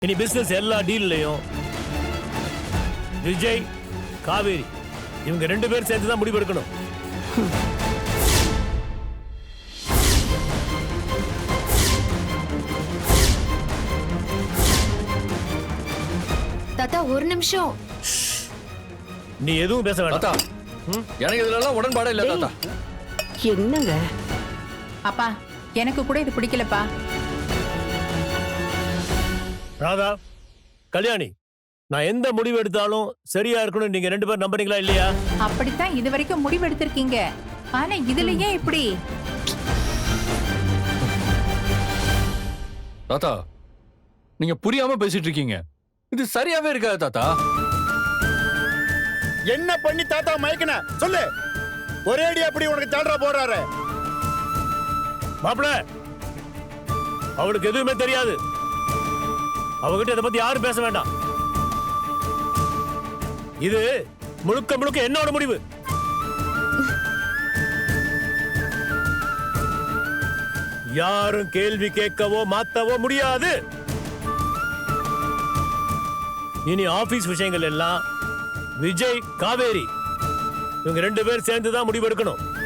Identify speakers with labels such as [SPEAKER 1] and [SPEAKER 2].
[SPEAKER 1] இனி பிசினஸ் எல்லா டீல்லையும் விஜய் காவேரி இவங்க 2 பேரும் சேர்ந்து தான் முடிவு எடுக்கணும்.
[SPEAKER 2] தாத்தா ஒரு நிமிஷம்.
[SPEAKER 1] நீ எதுவும் பேச வேண்டாம்.
[SPEAKER 3] தாத்தா எனக்கு இதுல உடன்பாடே இல்ல தாத்தா.
[SPEAKER 4] என்னங்க
[SPEAKER 5] அப்பா எனக்கு கூட இது பிடிக்கலப்பா.
[SPEAKER 1] ராதா, கல்யாணி, நான் எந்த முடிவு எடுத்தாலும் சரியா இருக்கணும் நீங்க 2 பேரும் நம்புறீங்களா இல்லையா?
[SPEAKER 5] அப்படித்தான் இது வரைக்கும் முடிவு எடுத்திருக்கீங்க. ஆனா இதுலயே இப்படி
[SPEAKER 3] தாத்தா நீங்க புரியாம பேசிட்டு இருக்கீங்க. இது சரியாவே இருக்காது தாத்தா.
[SPEAKER 6] என்ன பண்ணி தாத்தா மயக்கன சொல்லு. ஒரே அடி அப்படி உனக்கு தள்ளுற போறாரு.
[SPEAKER 1] மாப்பிள, அவளுக்கு எதுவுமே தெரியாது. அவகிட்ட இதை பத்தி யாரும் பேச வேண்டாம். இது முழுக்க முழுக்க என்னோட முடிவு. யாரும் கேள்வி கேட்கவோ மாத்தவோ முடியாது. இனி ஆபீஸ் விஷயங்கள் எல்லாம் விஜய் காவேரி இவங்க 2 பேர் சேர்ந்து தான் முடிவு எடுக்கணும்.